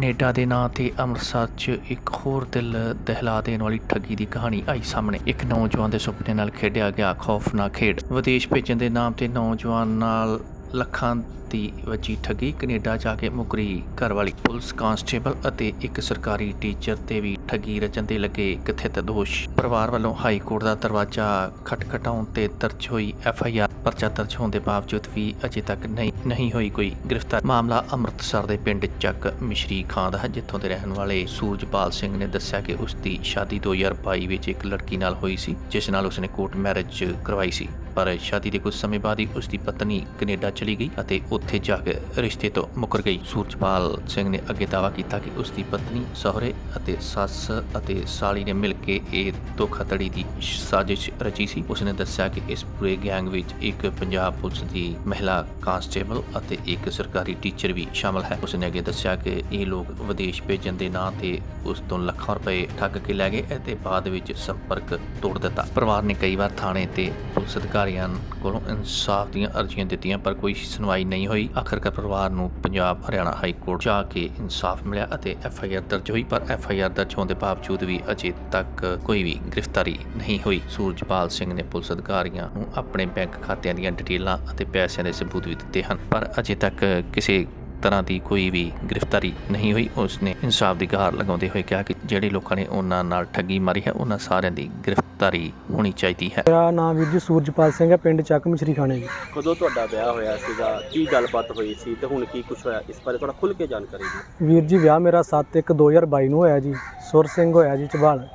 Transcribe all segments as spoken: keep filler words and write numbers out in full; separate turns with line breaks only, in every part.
Canada ਦੇ ਨਾਂ 'ਤੇ ਅੰਮ੍ਰਿਤਸਰ 'ਚ ਇੱਕ ਹੋਰ ਦਿਲ ਦਹਿਲਾ ਦੇਣ ਵਾਲੀ ਠੱਗੀ ਦੀ ਕਹਾਣੀ ਆਈ ਸਾਹਮਣੇ। ਇੱਕ ਨੌਜਵਾਨ ਦੇ ਸੁਪਨੇ ਨਾਲ ਖੇਡਿਆ ਗਿਆ ਖੌਫਨਾਕ ਖੇਡ। ਵਿਦੇਸ਼ ਭੇਜਣ ਦੇ ਨਾਮ 'ਤੇ ਨੌਜਵਾਨ ਨਾਲ ਲੱਖਾਂ ਦੀ ਵੱਜੀ ਠੱਗੀ। ਕੈਨੇਡਾ ਜਾ ਕੇ ਮੁਕਰੀ ਘਰਵਾਲੀ। ਪੁਲਿਸ ਕਾਂਸਟੇਬਲ ਅਤੇ ਇੱਕ ਸਰਕਾਰੀ ਟੀਚਰ 'ਤੇ ਵੀ ਠੱਗੀ ਰਚਣ ਦੇ ਲੱਗੇ ਕਥਿਤ ਦੋਸ਼। ਪਰਿਵਾਰ ਵੱਲੋਂ ਹਾਈ ਕੋਰਟ ਦਾ ਦਰਵਾਜ਼ਾ ਖਟਖਟਾਉਣ 'ਤੇ ਦਰਜ ਹੋਈ ਐਫ ਆਈ ਆਰ। ਪਰਚਾ ਦਰਜ ਹੋਣ ਦੇ ਬਾਵਜੂਦ ਵੀ ਅਜੇ ਤੱਕ ਨਹੀਂ ਨਹੀਂ ਹੋਈ ਕੋਈ ਗ੍ਰਿਫਤਾਰ। ਮਾਮਲਾ ਅੰਮ੍ਰਿਤਸਰ ਦੇ ਪਿੰਡ ਚੱਕ ਮਿਸ਼ਰੀ ਖਾਂ ਦਾ ਹੈ, ਜਿੱਥੋਂ ਦੇ ਰਹਿਣ ਵਾਲੇ ਸੂਰਜਪਾਲ ਸਿੰਘ ਨੇ ਦੱਸਿਆ ਕਿ ਉਸ ਦੀ ਸ਼ਾਦੀ ਦੋ ਹਜ਼ਾਰ ਬਾਈ ਵਿੱਚ ਇੱਕ ਲੜਕੀ ਨਾਲ ਹੋਈ ਸੀ, ਜਿਸ ਨਾਲ ਉਸਨੇ ਕੋਰਟ ਮੈਰਿਜ ਕਰਵਾਈ ਸੀ। ਪਰ ਸ਼ਾਦੀ ਦੇ ਕੁਝ ਸਮੇਂ ਬਾਅਦ ਹੀ ਉਸ ਦੀ ਪਤਨੀ ਕੈਨੇਡਾ ਚਲੀ ਗਈ ਅਤੇ ਉੱਥੇ ਜਾ ਕੇ ਰਿਸ਼ਤੇ ਤੋਂ ਮੁੱਕਰ ਗਈ। ਸੂਰਜਪਾਲ ਸਿੰਘ ਨੇ ਅੱਗੇ ਦਾਅਵਾ ਕੀਤਾ ਕਿ ਉਸ ਦੀ ਪਤਨੀ, ਸਹੁਰੇ ਅਤੇ ਸੱਸ ਅਤੇ ਸਾਲੀ ਨੇ ਮਿਲ ਕੇ ਇਹ ਧੋਖਾਧੜੀ ਦੀ ਸਾਜ਼ਿਸ਼ ਰਚੀ ਸੀ। ਉਸਨੇ ਦੱਸਿਆ ਕਿ ਇਸ ਪੂਰੇ ਗੈਂਗ ਵਿੱਚ ਇੱਕ ਪੰਜਾਬ ਪੁਲਿਸ ਦੀ ਮਹਿਲਾ ਕਾਂਸਟੇਬਲ ਅਤੇ ਇੱਕ ਸਰਕਾਰੀ ਟੀਚਰ ਵੀ ਸ਼ਾਮਲ ਹੈ। ਉਸਨੇ ਅੱਗੇ ਦੱਸਿਆ ਕਿ ਇਹ ਲੋਕ ਵਿਦੇਸ਼ ਭੇਜਣ ਦੇ ਨਾਂ 'ਤੇ ਉਸ ਤੋਂ ਲੱਖਾਂ ਰੁਪਏ ਠੱਗ ਕੇ ਲੈ ਗਏ ਅਤੇ ਬਾਅਦ ਵਿੱਚ ਸੰਪਰਕ ਤੋੜ ਦਿੱਤਾ। ਪਰਿਵਾਰ ਨੇ ਕਈ ਵਾਰ ਥਾਣੇ ਤੇ ਪੁਲਿਸ ਅਧਿਕਾਰੀਆਂ ਕੋਲੋਂ ਇਨਸਾਫ ਦੀਆਂ ਅਰਜ਼ੀਆਂ ਦਿੱਤੀਆਂ, ਪਰ ਕੋਈ ਸੁਣਵਾਈ ਨਹੀਂ ਹੋਈ। ਆਖਰਕਾਰ ਪਰਿਵਾਰ ਨੂੰ ਪੰਜਾਬ ਹਰਿਆਣਾ ਹਾਈ ਕੋਰਟ ਜਾ ਕੇ ਇਨਸਾਫ ਮਿਲਿਆ ਅਤੇ ਐਫ ਆਈ ਆਰ ਦਰਜ ਹੋਈ, ਪਰ ਐਫ ਆਈ ਆਰ ਦਰਜ ਹੋਣ ਦੇ ਬਾਵਜੂਦ ਵੀ ਅਜੇ ਤੱਕ ਕੋਈ ਵੀ ਗ੍ਰਿਫਤਾਰੀ ਨਹੀਂ ਹੋਈ। ਸੂਰਜਪਾਲ ਸਿੰਘ ਨੇ ਪੁਲਿਸ ਅਧਿਕਾਰੀਆਂ ਨੂੰ ਆਪਣੇ ਬੈਂਕ ਖਾਤਿਆਂ ਦੀਆਂ ਡਿਟੇਲਾਂ ਅਤੇ ਪੈਸਿਆਂ ਦੇ ਸਬੂਤ ਵੀ ਦਿੱਤੇ ਹਨ, ਪਰ ਅਜੇ ਤੱਕ ਕਿਸੇ ਤਰ੍ਹਾਂ ਦੀ ਕੋਈ ਵੀ ਗ੍ਰਿਫਤਾਰੀ ਨਹੀਂ ਹੋਈ। ਉਸਨੇ ਇਨਸਾਫ ਦੀ ਗੁਹਾਰ ਲਗਾਉਂਦੇ ਹੋਏ ਕਿਹਾ ਕਿ ਜਿਹੜੇ ਲੋਕਾਂ ਨੇ ਉਹਨਾਂ ਨਾਲ ਠੱਗੀ ਮਾਰੀ ਹੈ, ਉਹਨਾਂ ਸਾਰਿਆਂ ਦੀ ਗ੍ਰਿਫਤਾਰੀ ਹੋਣੀ ਚਾਹੀਦੀ ਹੈ।
ਮੇਰਾ ਨਾਮ ਵੀਰ ਜੀ ਸੂਰਜਪਾਲ ਸਿੰਘ ਹੈ, ਪਿੰਡ ਚੱਕ ਮਿਸ਼ਰੀ ਖਾਣੇ ਜੀ।
ਕਦੋਂ ਤੁਹਾਡਾ ਵਿਆਹ ਹੋਇਆ ਸੀਗਾ, ਕੀ ਗੱਲਬਾਤ ਹੋਈ ਸੀ ਤੇ ਹੁਣ ਕੀ ਕੁਛ ਹੋਇਆ, ਇਸ ਬਾਰੇ ਥੋੜਾ ਖੁੱਲ੍ਹ ਕੇ ਜਾਣਕਾਰੀ ਦਿਓ।
ਵੀਰ ਜੀ ਵਿਆਹ ਮੇਰਾ ਸੱਤ ਇੱਕ ਦੋ ਹਜ਼ਾਰ ਬਾਈ ਨੂੰ ਹੋਇਆ ਜੀ। ਸੁਰ ਸਿੰਘ ਹੋਇਆ ਜੀ ਝਬਾਲ।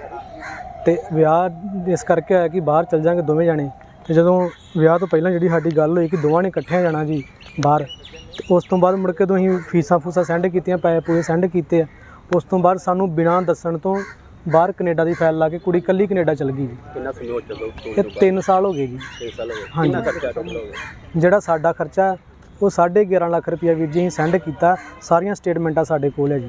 ਅਤੇ ਵਿਆਹ ਇਸ ਕਰਕੇ ਹੋਇਆ ਕਿ ਬਾਹਰ ਚੱਲ ਜਾਂਗੇ ਦੋਵੇਂ ਜਾਣੇ। ਅਤੇ ਜਦੋਂ ਵਿਆਹ ਤੋਂ ਪਹਿਲਾਂ ਜਿਹੜੀ ਸਾਡੀ ਗੱਲ ਹੋਈ ਕਿ ਦੋਵਾਂ ਨੇ ਇਕੱਠਿਆਂ ਜਾਣਾ ਜੀ ਬਾਹਰ, ਅਤੇ ਉਸ ਤੋਂ ਬਾਅਦ ਮੁੜ ਕੇ ਤੋਂ ਅਸੀਂ ਫੀਸਾਂ ਫੂਸਾਂ ਸੈਂਡ ਕੀਤੀਆਂ, ਪੈਸੇ ਪੂਸੇ ਸੈਂਡ ਕੀਤੇ ਆ। ਉਸ ਤੋਂ ਬਾਅਦ ਸਾਨੂੰ ਬਿਨਾਂ ਦੱਸਣ ਤੋਂ ਬਾਹਰ ਕੈਨੇਡਾ ਦੀ ਫਾਈਲ ਲਾ ਕੇ ਕੁੜੀ ਇਕੱਲੀ ਕੈਨੇਡਾ ਚਲ ਗਈ ਜੀ।
ਕਿੰਨਾ ਸਮੇਂ ਹੋ ਚੱਲੋ?
ਇਹ ਤਿੰਨ ਸਾਲ ਹੋ ਗਏ ਜੀ।
ਤਿੰਨ ਸਾਲ ਹੋ ਗਏ।
ਹਾਂਜੀ।
ਕਿੰਨਾ ਖਰਚਾ ਟੋਟਲ ਹੋ ਗਿਆ?
ਜਿਹੜਾ ਸਾਡਾ ਖਰਚਾ ਉਹ ਸਾਢੇ ਗਿਆਰਾਂ ਲੱਖ ਰੁਪਈਆ ਵੀਰ ਜੀ ਅਸੀਂ ਸੈਂਡ ਕੀਤਾ। ਸਾਰੀਆਂ ਸਟੇਟਮੈਂਟਾਂ ਸਾਡੇ ਕੋਲ ਹੈ ਜੀ।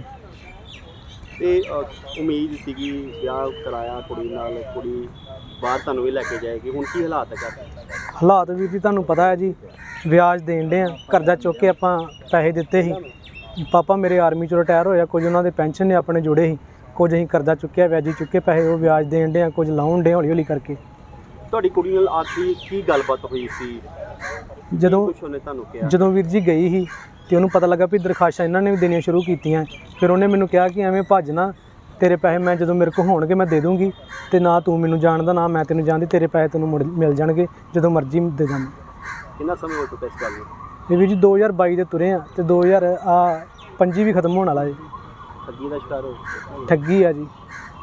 ਤੇ ਉਮੀਦ ਸੀਗੀ ਵਿਆਹ ਕਰਾਇਆ ਕੁੜੀ ਨਾਲ, ਕੁੜੀ ਬਾਹਰ ਤੁਹਾਨੂੰ ਵੀ ਲੈ ਕੇ ਜਾਏਗੀ, ਹੁਣ ਕੀ ਹਾਲਾਤ ਹੈ ਘਰ?
ਹਾਲਾਤ ਵੀਰ ਜੀ ਤੁਹਾਨੂੰ ਪਤਾ ਹੈ ਜੀ, ਵਿਆਜ ਦੇਣ ਡੇ ਆ। ਕਰਜ਼ਾ ਚੁੱਕ ਕੇ ਆਪਾਂ ਪੈਸੇ ਦਿੱਤੇ ਸੀ। ਪਾਪਾ ਮੇਰੇ ਆਰਮੀ 'ਚੋਂ ਰਿਟਾਇਰ ਹੋਇਆ, ਕੁਝ ਉਹਨਾਂ ਦੇ ਪੈਨਸ਼ਨ ਨੇ ਆਪਣੇ ਜੋੜੇ ਸੀ, ਕੁਝ ਅਸੀਂ ਕਰਜ਼ਾ ਚੁੱਕਿਆ, ਵਿਆਜੀ ਚੁੱਕੇ ਪੈਸੇ, ਉਹ ਵਿਆਜ ਦੇਣ ਡੇ ਆ, ਕੁਝ ਲਾਉਣ ਡੇ ਹੌਲੀ ਹੌਲੀ ਕਰਕੇ।
ਤੁਹਾਡੀ ਕੁੜੀ ਨਾਲ ਆਖਰੀ ਕੀ ਗੱਲਬਾਤ ਹੋਈ ਸੀ
ਜਦੋਂ
ਕੁਛ ਉਹਨੇ ਤੁਹਾਨੂੰ ਕਿਹਾ?
ਜਦੋਂ ਵੀਰ ਜੀ ਗਈ ਸੀ ਅਤੇ ਉਹਨੂੰ ਪਤਾ ਲੱਗਾ ਵੀ ਦਰਖਾਸ਼ਾਂ ਇਹਨਾਂ ਨੇ ਵੀ ਦੇਣੀਆਂ ਸ਼ੁਰੂ ਕੀਤੀਆਂ। ਫਿਰ ਉਹਨੇ ਮੈਨੂੰ ਕਿਹਾ ਕਿ ਐਵੇਂ ਭੱਜ ਨਾ, ਤੇਰੇ ਪੈਸੇ ਮੈਂ ਜਦੋਂ ਮੇਰੇ ਕੋਲ ਹੋਣਗੇ ਮੈਂ ਦੇ ਦੂੰਗੀ, ਅਤੇ ਨਾ ਤੂੰ ਮੈਨੂੰ ਜਾਣਦਾ ਨਾ ਮੈਂ ਤੈਨੂੰ ਜਾਣਦੀ, ਤੇਰੇ ਪੈਸੇ ਤੈਨੂੰ ਮੁੜ ਮਿਲ ਜਾਣਗੇ ਜਦੋਂ ਮਰਜ਼ੀ ਦੇ ਦਾਂਗੇ।
ਕਿੰਨਾ ਸਮੇਂ ਹੋ ਚੁੱਕਾ ਇਸ ਗੱਲ ਨੂੰ?
ਇਹ ਵੀਰ ਜੀ ਦੋ ਹਜ਼ਾਰ ਬਾਈ ਦੇ ਤੁਰੇ ਆ ਅਤੇ ਦੋ ਹਜ਼ਾਰ ਆ ਪੰਜੀ ਵੀ ਖਤਮ ਹੋਣ ਵਾਲਾ ਜੀ।
ਠੱਗੀ ਦਾ ਸ਼ਿਕਾਰ ਹੋ?
ਠੱਗੀ ਆ ਜੀ।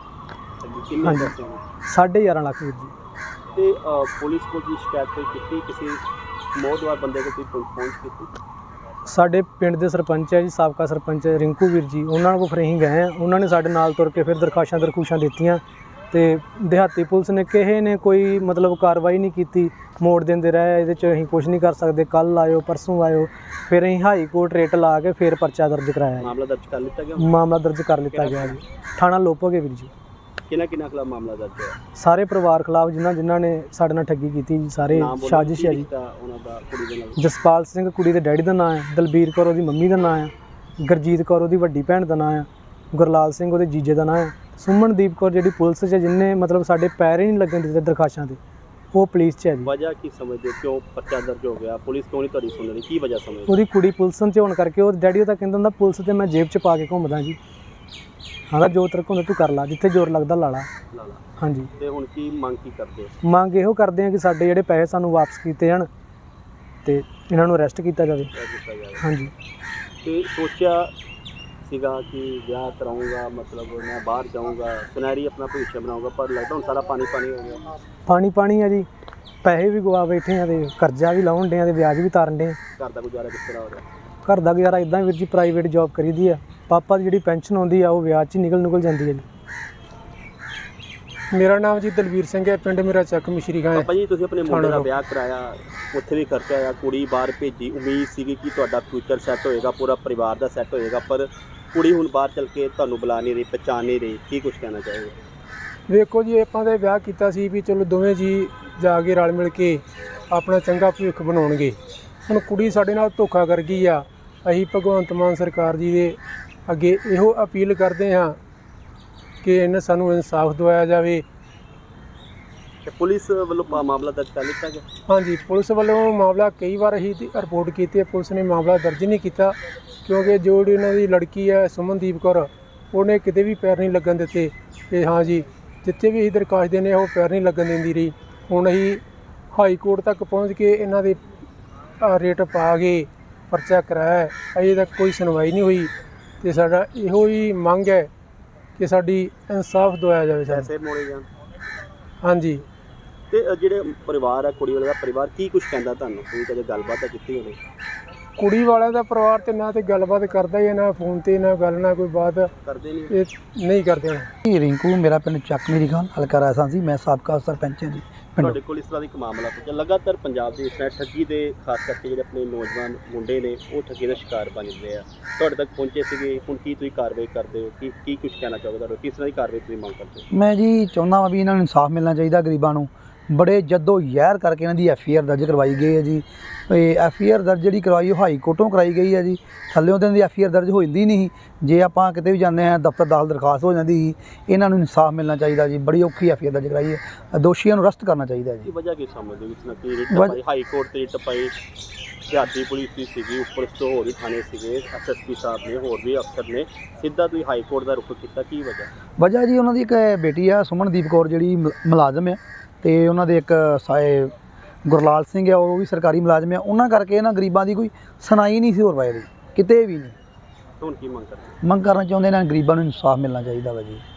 ਕਿੰਨੇ
ਹਾਂਜੀ।
ਪੈਸੇ ਹੋਏ?
ਸਾਢੇ ਗਿਆਰਾਂ ਲੱਖ ਵੀਰ ਜੀ।
ਤੇ ਪੁਲਿਸ ਕੋਲ ਦੀ ਸ਼ਿਕਾਇਤ ਕੋਈ ਕੀਤੀ? ਕਿਸੇ ਮੌਤਵਾਰ ਬੰਦੇ ਕੋਲ ਕੋਈ ਪਹੁੰਚ ਕੀਤੀ?
ਸਾਡੇ ਪਿੰਡ ਦੇ ਸਰਪੰਚ ਹੈ ਜੀ, ਸਾਬਕਾ ਸਰਪੰਚ ਰਿੰਕੂ ਵੀਰ ਜੀ, ਉਹਨਾਂ ਕੋਲ ਫਿਰ ਅਸੀਂ ਗਏ ਹਾਂ। ਉਹਨਾਂ ਨੇ ਸਾਡੇ ਨਾਲ ਤੁਰ ਕੇ ਫਿਰ ਦਰਖਾਸ਼ਾਂ ਦਰਖੂਸ਼ਾਂ ਦਿੱਤੀਆਂ, ਅਤੇ ਦਿਹਾਤੀ ਪੁਲਿਸ ਨੇ ਕਿਸੇ ਨੇ ਕੋਈ ਮਤਲਬ ਕਾਰਵਾਈ ਨਹੀਂ ਕੀਤੀ, ਮੋੜ ਦਿੰਦੇ ਰਹੇ, ਇਹਦੇ 'ਚ ਅਸੀਂ ਕੁਛ ਨਹੀਂ ਕਰ ਸਕਦੇ, ਕੱਲ੍ਹ ਆਇਓ ਪਰਸੋਂ ਆਇਓ। ਫਿਰ ਅਸੀਂ ਹਾਈ ਕੋਰਟ ਰੇਟ ਲਾ ਕੇ ਫਿਰ ਪਰਚਾ ਦਰਜ ਕਰਾਇਆ।
ਮਾਮਲਾ ਦਰਜ ਕਰ ਲਿੱਤਾ ਗਿਆ?
ਮਾਮਲਾ ਦਰਜ ਕਰ ਲਿੱਤਾ ਗਿਆ ਜੀ। ਥਾਣਾ ਲੋਪੋਗੇ ਵੀਰ ਜੀ।
ਕਿਹਨਾਂ ਕਿਹਨਾਂ ਖਿਲਾਫ ਮਾਮਲਾ ਦਰਜ ਹੋਇਆ?
ਸਾਰੇ ਪਰਿਵਾਰ ਖਿਲਾਫ ਜਿਨ੍ਹਾਂ ਜਿਨ੍ਹਾਂ ਨੇ ਸਾਡੇ ਨਾਲ ਠੱਗੀ ਕੀਤੀ ਜੀ, ਸਾਰੇ ਸਾਜ਼ਿਸ਼ ਹੈ ਜੀ।
ਉਹਨਾਂ ਦਾ ਕੁੜੀ ਦੇ ਨਾਲ?
ਜਸਪਾਲ ਸਿੰਘ ਕੁੜੀ ਦੇ ਡੈਡੀ ਦਾ ਨਾਂ ਹੈ, ਦਲਬੀਰ ਕੌਰ ਉਹਦੀ ਮੰਮੀ ਦਾ ਨਾਂ ਹੈ, ਗੁਰਜੀਤ ਕੌਰ ਉਹਦੀ ਵੱਡੀ ਭੈਣ ਦਾ ਨਾਂ ਹੈ, ਗੁਰਲਾਲ ਸਿੰਘ ਉਹਦੇ ਜੀਜੇ ਦਾ ਨਾਂ ਹੈ, ਸੁਮਨਦੀਪ ਕੌਰ ਜਿਹੜੀ ਪੁਲਿਸ 'ਚ ਜਿਹਨੇ ਮਤਲਬ ਸਾਡੇ ਪੈਰ ਹੀ ਨਹੀਂ ਲੱਗਣ ਦਿੱਤੇ ਦਰਖਾਸ਼ਾਂ 'ਤੇ, ਉਹ ਪੁਲਿਸ 'ਚ ਹੈ ਜੀ।
ਵਜ੍ਹਾ ਕੀ ਸਮਝਦੇ ਹੋ, ਕਿਉਂ ਪਰਚਾ ਦਰਜ ਹੋ ਗਿਆ? ਪੁਲਿਸ ਕਿਉਂ ਨਹੀਂ ਤੁਹਾਡੀ ਸੁਣ ਰਹੀ, ਕੀ ਵਜ੍ਹਾ ਸਮਝਦੇ?
ਉਹਦੀ ਕੁੜੀ ਪੁਲਿਸ 'ਚ ਹੋਣ ਕਰਕੇ ਉਹ ਡੈਡੀ ਉਹਦਾ ਕਹਿੰਦਾ ਹੁੰਦਾ ਪੁਲਿਸ 'ਤੇ ਮੈਂ ਜੇਬ 'ਚ ਪਾ ਕੇ ਘੁੰਮਦਾ ਜੀ। ਹਾਂ ਜੋ ਤਰਕ ਹੁੰਦਾ ਤੂੰ ਕਰ ਲਾ, ਜਿੱਥੇ ਜ਼ੋਰ ਲੱਗਦਾ ਲਾ ਲਾ। ਹਾਂਜੀ।
ਤੇ ਹੁਣ ਕੀ ਮੰਗ ਕੀ ਕਰਦੇ?
ਮੰਗ ਇਹੋ ਕਰਦੇ ਆ ਕਿ ਸਾਡੇ ਜਿਹੜੇ ਪੈਸੇ ਸਾਨੂੰ ਵਾਪਸ ਕੀਤੇ ਜਾਣ ਅਤੇ ਇਹਨਾਂ ਨੂੰ ਅਰੈਸਟ ਕੀਤਾ ਜਾਵੇ। ਹਾਂਜੀ।
ਤੇ ਸੋਚਿਆ ਸੀਗਾ ਕਿ ਵਿਆਹ ਕਰਾਊਂਗਾ, ਮਤਲਬ ਮੈਂ ਬਾਹਰ ਜਾਊਂਗਾ, ਸੁਨਹਿਰੀ ਆਪਣਾ ਭਵਿੱਖ ਬਣਾਊਂਗਾ, ਪਰ ਲੱਗਦਾ ਹੁਣ ਸਾਰਾ ਪਾਣੀ ਪਾਣੀ ਹੋ ਗਿਆ।
ਪਾਣੀ ਪਾਣੀ ਆ ਜੀ, ਪੈਸੇ ਵੀ ਗਵਾ ਬੈਠੇ ਆ ਅਤੇ ਕਰਜ਼ਾ ਵੀ ਲਾਉਣ ਡੇ ਆ ਅਤੇ ਵਿਆਜ ਵੀ ਤਾਰਨ ਡੇ ਆ।
ਘਰ ਦਾ ਗੁਜ਼ਾਰਾ ਕਿਸ ਤਰ੍ਹਾਂ ਹੋ ਰਿਹਾ?
ਘਰ ਦਾ ਗੁਜ਼ਾਰਾ ਇੱਦਾਂ ਵੀਰ ਜੀ, ਪ੍ਰਾਈਵੇਟ ਜੋਬ ਕਰੀਦੀ ਆ। ਪਾਪਾ ਦੀ ਜਿਹੜੀ ਪੈਨਸ਼ਨ ਆਉਂਦੀ ਆ ਉਹ ਵਿਆਜ 'ਚ ਹੀ ਨਿਕਲ ਨਿਕਲ ਜਾਂਦੀ ਹੈ ਜੀ। ਮੇਰਾ ਨਾਮ ਜੀ ਦਲਬੀਰ ਸਿੰਘ ਹੈ, ਪਿੰਡ ਮੇਰਾ ਚੱਕ ਮਿਸ਼ਰੀ ਖਾਂ ਹੈ।
ਪਾਪਾ ਜੀ ਤੁਸੀਂ ਆਪਣੇ ਮੁੰਡੇ ਦਾ ਵਿਆਹ ਕਰਾਇਆ, ਉੱਥੇ ਵੀ ਖਰਚਾ ਆਇਆ, ਕੁੜੀ ਬਾਹਰ ਭੇਜੀ, ਉਮੀਦ ਸੀਗੀ ਕਿ ਤੁਹਾਡਾ ਫਿਊਚਰ ਸੈੱਟ ਹੋਏਗਾ, ਪੂਰਾ ਪਰਿਵਾਰ ਦਾ ਸੈੱਟ ਹੋਏਗਾ, ਪਰ ਕੁੜੀ ਹੁਣ ਬਾਹਰ ਚੱਲ ਕੇ ਤੁਹਾਨੂੰ ਬੁਲਾ ਨਹੀਂ ਰਹੀ, ਪਹਿਚਾਣ ਨਹੀਂ ਰਹੀ, ਕੀ ਕੁਛ ਕਹਿਣਾ ਚਾਹੋਗੇ?
ਵੇਖੋ ਜੀ, ਆਪਾਂ ਤਾਂ ਵਿਆਹ ਕੀਤਾ ਸੀ ਵੀ ਚਲੋ ਦੋਵੇਂ ਜੀ ਜਾ ਕੇ ਰਲ ਮਿਲ ਕੇ ਆਪਣਾ ਚੰਗਾ ਭਵਿੱਖ ਬਣਾਉਣਗੇ। ਹੁਣ ਕੁੜੀ ਸਾਡੇ ਨਾਲ ਧੋਖਾ ਕਰ ਗਈ ਆ। ਅਸੀਂ ਭਗਵੰਤ ਮਾਨ ਸਰਕਾਰ ਜੀ ਦੇ ਅੱਗੇ ਇਹੋ ਅਪੀਲ ਕਰਦੇ ਹਾਂ ਕਿ ਇਹਨਾਂ ਸਾਨੂੰ ਇਨਸਾਫ ਦਿਵਾਇਆ ਜਾਵੇ।
ਤੇ ਪੁਲਿਸ ਵੱਲੋਂ ਪਾ- ਮਾਮਲਾ ਦਰਜ ਕਰ ਲਿੱਤਾ ਗਿਆ।
ਹਾਂਜੀ, ਪੁਲਿਸ ਵੱਲੋਂ ਮਾਮਲਾ ਕਈ ਵਾਰ ਹੀ ਰਿਪੋਰਟ ਕੀਤੀ ਹੈ, ਪੁਲਿਸ ਨੇ ਮਾਮਲਾ ਦਰਜ ਨਹੀਂ ਕੀਤਾ ਕਿਉਂਕਿ ਜਿਹੜੀ ਉਹਨਾਂ ਦੀ ਲੜਕੀ ਹੈ ਸੁਮਨਦੀਪ ਕੌਰ, ਉਹਨੇ ਕਿਤੇ ਵੀ ਪੈਰ ਨਹੀਂ ਲੱਗਣ ਦਿੱਤੇ। ਤੇ ਹਾਂ ਜੀ, ਜਿੱਥੇ ਵੀ ਅਸੀਂ ਦਰਖਾਸਤ ਦਿੰਦੇ ਹਾਂ ਉਹ ਪੈਰ ਨਹੀਂ ਲੱਗਣ ਦਿੰਦੀ ਰਹੀ। ਹੁਣ ਅਸੀਂ ਹਾਈ ਕੋਰਟ ਤੱਕ ਪਹੁੰਚ ਕੇ ਇਹਨਾਂ ਦੇ ਅ, ਰੇਟ ਪਾ ਕੇ ਪਰਚਾ ਕਰਾਇਆ ਹੈ। ਅਜੇ ਤੱਕ ਕੋਈ ਸੁਣਵਾਈ ਨਹੀਂ ਹੋਈ ਤੇ ਸਾਡਾ ਇਹੋ ਹੀ ਮੰਗ ਹੈ ਕਿ ਸਾਡੀ ਇਨਸਾਫ ਦਿਵਾਇਆ ਜਾਵੇ ਸਾਨੂੰ।
ਪੈਸੇ ਮੋੜੇ ਜਾਣ।
ਹਾਂਜੀ,
ਤੇ ਅ, ਜਿਹੜੇ ਪਰਿਵਾਰ ਹੈ ਕੁੜੀ ਵਾਲੇ ਦਾ ਪਰਿਵਾਰ ਕੀ ਕੁਝ ਕਹਿੰਦਾ ਤੁਹਾਨੂੰ? ਤੁਸੀਂ ਕਦੇ ਗੱਲਬਾਤ ਤਾਂ ਕੀਤੀ ਹੋਣੀ?
ਕੁੜੀ ਵਾਲਿਆਂ ਦਾ ਪਰਿਵਾਰ ਤੇ ਨਾ ਤੇ ਗੱਲਬਾਤ ਕਰਦਾ ਹੀ ਹੈ, ਨਾ ਫੋਨ ਤੇ ਨਾ ਗੱਲ ਨਾ ਕੋਈ ਬਾਤ
ਕਰਦੇ ਨਹੀਂ?
ਇਹ ਨਹੀਂ ਕਰਦੇ ਹੁਣ।
ਜੀ ਰਿੰਕੂ, ਮੇਰਾ ਪਿੰਡ ਚੱਕ ਮੇਰੀ ਖਾਨ, ਹਲਕਾ ਰਾਜਸਥਾਨ ਸੀ। ਮੈਂ ਸਾਬਕਾ ਸਰਪੰਚ ਹਾਂ ਜੀ ਪਿੰਡ।
ਤੁਹਾਡੇ ਕੋਲ ਇਸ ਤਰ੍ਹਾਂ ਦਾ ਇੱਕ ਮਾਮਲਾ ਪੁੱਛਿਆ ਲਗਾਤਾਰ ਪੰਜਾਬ ਦੇ ਇਸ ਤਰ੍ਹਾਂ ਠੱਗੀ ਦੇ ਖਾਸ ਕਰਕੇ ਜਿਹੜੇ ਆਪਣੇ ਨੌਜਵਾਨ ਮੁੰਡੇ ਨੇ ਉਹ ਠੱਗੀ ਦਾ ਸ਼ਿਕਾਰ ਬਣ ਜਾਂਦੇ ਆ, ਤੁਹਾਡੇ ਤੱਕ ਪਹੁੰਚੇ ਸੀਗੇ। ਹੁਣ ਕੀ ਤੁਸੀਂ ਕਾਰਵਾਈ ਕਰਦੇ ਹੋ? ਕੀ ਕੀ ਕੁਝ ਕਹਿਣਾ ਚਾਹੋਗੇ? ਤੁਹਾਨੂੰ ਕਿਸ ਤਰ੍ਹਾਂ ਦੀ ਕਾਰਵਾਈ ਤੁਸੀਂ ਮੰਗ ਕਰਦੇ ਹੋ?
ਮੈਂ ਜੀ ਚਾਹੁੰਦਾ ਹਾਂ ਵੀ ਇਹਨਾਂ ਨੂੰ ਇਨਸਾਫ ਮਿਲਣਾ ਚਾਹੀਦਾ। ਗਰੀਬਾਂ ਨੂੰ ਬੜੇ ਜੱਦੋ ਜ਼ਹਿਰ ਕਰਕੇ ਇਹਨਾਂ ਦੀ ਐਫ ਆਈ ਆਰ ਦਰਜ ਕਰਵਾਈ ਗਈ ਹੈ ਜੀ। ਇਹ ਐਫ ਆਈ ਆਰ ਦਰਜ ਜਿਹੜੀ ਕਰਵਾਈ ਉਹ ਹਾਈ ਕੋਰਟੋਂ ਕਰਾਈ ਗਈ ਹੈ ਜੀ। ਥੱਲਿਓਂ ਤਾਂ ਇਹਨਾਂ ਦੀ ਐਫ ਆਈ ਆਰ ਦਰਜ ਹੋ ਜਾਂਦੀ ਨਹੀਂ। ਜੇ ਆਪਾਂ ਕਿਤੇ ਵੀ ਜਾਂਦੇ ਹਾਂ ਦਫ਼ਤਰ ਦਾਖਲ ਦਰਖਾਸਤ ਹੋ ਜਾਂਦੀ ਸੀ। ਇਹਨਾਂ ਨੂੰ ਇਨਸਾਫ ਮਿਲਣਾ ਚਾਹੀਦਾ ਜੀ। ਬੜੀ ਔਖੀ ਐਫ ਆਈ ਆਰ ਦਰਜ ਕਰਾਈ ਹੈ। ਦੋਸ਼ੀਆਂ ਨੂੰ ਅਰੈਸਟ ਕਰਨਾ ਚਾਹੀਦਾ ਜੀ।
ਕੀ ਵਜ੍ਹਾ ਕੀ ਸਮਝਦੇ ਹੋ ਇਸ ਨਾਲ? ਕੀ ਰਿਟ
ਵਜ-
ਪਾਈ ਹਾਈ ਕੋਰਟ ਤੇ ਰਿਟ ਪਾਈ, ਸਿਆਸੀ ਪੁਲਿਸ ਵੀ ਸੀਗੀ, ਉੱਪਰ ਤੋਂ ਹੋਰ ਵੀ ਥਾਣੇ ਸੀਗੇ, ਐਸ ਐਸ ਪੀ ਸਾਹਿਬ ਨੇ, ਹੋਰ ਵੀ ਅਫਸਰ ਨੇ, ਸਿੱਧਾ ਤੁਸੀਂ ਹਾਈ ਕੋਰਟ ਦਾ ਰੁਖ ਕੀਤਾ, ਕੀ ਵਜ੍ਹਾ?
ਵਜ੍ਹਾ ਜੀ ਉਹਨਾਂ ਦੀ ਇੱਕ ਬੇਟੀ ਆ ਸੁਮਨਦੀਪ ਕੌਰ ਜਿਹੜੀ ਮੁ- ਮੁਲਾਜ਼ਮ ਹੈ, ਤੇ ਉਹਨਾਂ ਦੇ ਇੱਕ ਸਾਏ ਗੁਰਲਾਲ ਸਿੰਘ ਆ ਉਹ ਵੀ ਸਰਕਾਰੀ ਮੁਲਾਜ਼ਮ ਆ। ਉਹਨਾਂ ਕਰਕੇ ਇਹਨਾਂ ਗਰੀਬਾਂ ਦੀ ਕੋਈ ਸੁਣਾਈ ਨਹੀਂ ਸੀ ਹੋਰ ਪਾਏ ਦੀ ਕਿਤੇ ਵੀ ਨਹੀਂ।
ਹੁਣ ਕੀ ਮੰਗ ਕਰਦੇ?
ਮੰਗ ਕਰਨਾ ਚਾਹੁੰਦੇ ਇਹਨਾਂ ਗਰੀਬਾਂ ਨੂੰ ਇਨਸਾਫ ਮਿਲਣਾ ਚਾਹੀਦਾ ਵਾ ਜੀ।